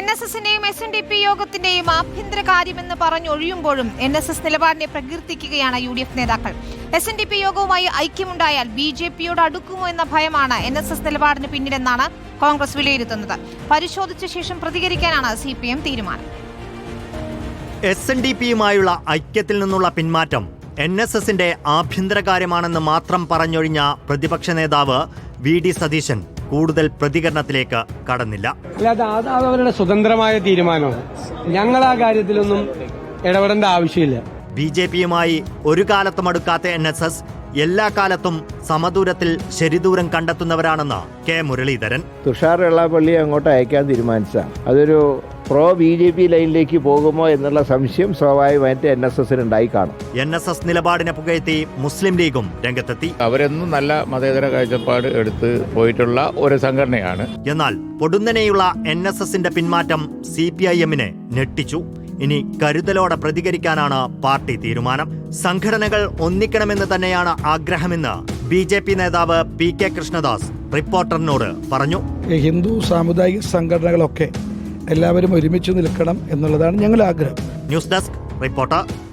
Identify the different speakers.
Speaker 1: NSSന്റെയും SNDP യോഗത്തിന്റെയും ആഭ്യന്തര കാര്യമെന്ന് പറഞ്ഞൊഴിയുമ്പോഴും NSS നിലപാടിനെ പ്രകീർത്തിക്കുകയാണ് UDF നേതാക്കൾ. SNDP യോഗവുമായി ഐക്യമുണ്ടായാൽ BJPയോട് അടുക്കുമോ എന്ന ഭയമാണ് NSS നിലപാടിന് പിന്നിലെന്നാണ് കോൺഗ്രസ് വിലയിരുത്തുന്നത്. പരിശോധിച്ച ശേഷം പ്രതികരിക്കാനാണ് CPM തീരുമാനം.
Speaker 2: SNDPയുമായുള്ള ഐക്യത്തിൽ നിന്നുള്ള പിന്മാറ്റം NSSന്റെ ആഭ്യന്തര കാര്യമാണെന്ന് മാത്രം പറഞ്ഞൊഴിഞ്ഞ പ്രതിപക്ഷ നേതാവ് VD സതീശൻ കൂടുതൽ പ്രതികരണത്തിലേക്ക് കടന്നില്ല.
Speaker 3: അല്ലാതെ അത് അവരുടെ സ്വതന്ത്രമായ തീരുമാനമാണ്. ഞങ്ങൾ ആ കാര്യത്തിലൊന്നും ഇടപെടേണ്ട ആവശ്യമില്ല.
Speaker 2: BJPയുമായി ഒരു കാലത്തും അടുക്കാത്ത NSS എല്ലാ കാലത്തും സമദൂരത്തിൽ ശരിദൂരം കണ്ടെത്തുന്നവരാണെന്ന് K. മുരളീധരൻ.
Speaker 4: തുഷാർ വെള്ളാപ്പള്ളിയെ അങ്ങോട്ട് അയക്കാൻ തീരുമാനിച്ചാൽ അതൊരു പ്രോ BJP ലൈനിലേക്ക് പോകുമോ എന്നുള്ള സംശയം സ്വാഭാവികമായിട്ട് NSSനുണ്ടായി കാണും.
Speaker 2: NSS നിലപാടിനെ പുകഴ്ത്തി മുസ്ലിം ലീഗും രംഗത്തെത്തി.
Speaker 5: അവരെന്നും നല്ല മതേതര കാഴ്ചപ്പാട് എടുത്ത് പോയിട്ടുള്ള ഒരു സംഘടനയാണ്.
Speaker 2: എന്നാൽ പൊടുന്നനെയുള്ള NSSന്റെ പിന്മാറ്റം CPIMനെ ഞെട്ടിച്ചു. ഇനി കരുതലോടെ പ്രതികരിക്കാനാണ് പാർട്ടി തീരുമാനം. സംഘടനകൾ ഒന്നിക്കണമെന്ന് തന്നെയാണ് ആഗ്രഹമെന്ന് BJP നേതാവ് PK കൃഷ്ണദാസ് റിപ്പോർട്ടറിനോട് പറഞ്ഞു.
Speaker 6: ഹിന്ദു സാമുദായിക സംഘടനകളൊക്കെ എല്ലാവരും ഒരുമിച്ച് നിൽക്കണം എന്നുള്ളതാണ് ഞങ്ങളുടെ ആഗ്രഹം.
Speaker 2: News desk reporter.